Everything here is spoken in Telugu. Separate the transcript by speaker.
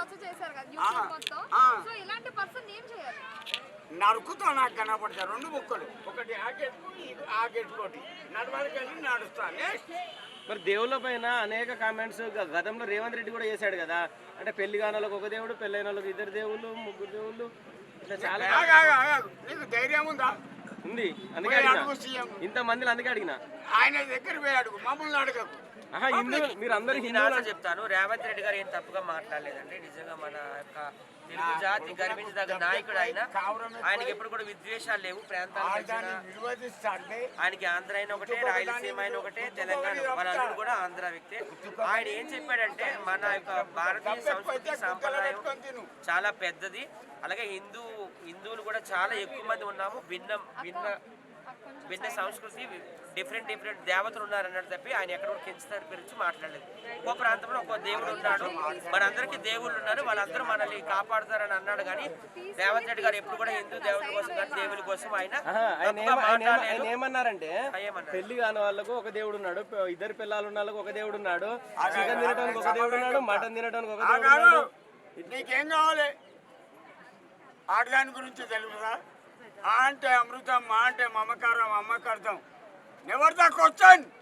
Speaker 1: రచ్చ చేశారు కదా యూట్యూబ్ మొత్తం. సో ఇలాంటి పర్సన్ ఏం చేయాలి?
Speaker 2: నరుకుతా నాకు కనపడతాయి రెండు ముక్కలు, ఒకటి ఆ గెట్టుకు ఆ గెట్టుకోటి నడవడికి వెళ్ళి నడుస్తా. నెక్స్ట్
Speaker 3: మరి దేవుళ్ళ పైన అనేక కామెంట్స్ గతంలో రేవంత్ రెడ్డి కూడా చేశాడు కదా, అంటే పెళ్లి కాని వాళ్ళకి ఒక దేవుడు, పెళ్ళైన వాళ్ళకి ఇద్దరు దేవుళ్ళు, ముగ్గురు దేవుళ్ళు, ఇట్లా చాలా.
Speaker 2: నీకు ధైర్యం ఉందా?
Speaker 3: ఉంది, అందుకే అడిగిన. ఇంతమందిని అందుకే అడిగిన.
Speaker 2: ఆయన దగ్గర పోయి అడుగు, మమ్మల్ని అడగకు.
Speaker 3: హిందువులు మీరు అందరూ
Speaker 4: నేను
Speaker 3: హిందువులు
Speaker 4: చెప్తాను. రేవంత్ రెడ్డి గారు ఏం తప్పుగా మాట్లాడలేదండి. నిజంగా మన యొక్క తెలుగు జాతి గర్వించదగ్గ నాయకుడు ఆయన. ఆయనకి ఎప్పుడు కూడా విద్వేషాలు లేవు. ప్రాంతాల ఆయనకి ఆంధ్ర అయిన ఒకటే, రాయలసీమ అయిన ఒకటే, తెలంగాణ వాళ్ళందరూ కూడా ఆంధ్ర వ్యక్తే. ఆయన ఏం చెప్పాడంటే మన యొక్క భారతీయ సంస్కృతి సాంప్రదాయం చాలా పెద్దది. అలాగే హిందువులు కూడా చాలా ఎక్కువ మంది ఉన్నాము. భిన్న సంస్కృతి, డిఫరెంట్ దేవతలు ఉన్నారు అన్నట్టు తప్పి ఆయన ఎక్కడ కూడా కించితనం గురించి మాట్లాడలేదు. ఒక్కో ప్రాంతంలో ఒక్కో దేవుడు ఉన్నాడు, మనందరికీ దేవుళ్ళు ఉన్నారు, వాళ్ళందరూ మనల్ని కాపాడుతారని అన్నాడు. కానీ రేవంత్ రెడ్డి గారు ఎప్పుడు కూడా హిందూ దేవుడి కోసం కానీ దేవుడి కోసం ఆయన
Speaker 3: ఏమన్నారంటే, పెళ్లి కాని వాళ్ళకు ఒక దేవుడు ఉన్నాడు, ఇద్దరు పిల్లలు ఉన్న వాళ్ళకు ఒక దేవుడు ఉన్నాడు, చికెన్ తినడానికి ఒక దేవుడు ఉన్నాడు, మటన్ తినడానికి ఒక దేవుడు ఉన్నాడు.
Speaker 2: నీకేం కావాలి? ఆడదాని గురించి తెలుసురా? ఆ అంటే అమృతం, మా అంటే మమకారం, అమ్మకార్థం. Never the question.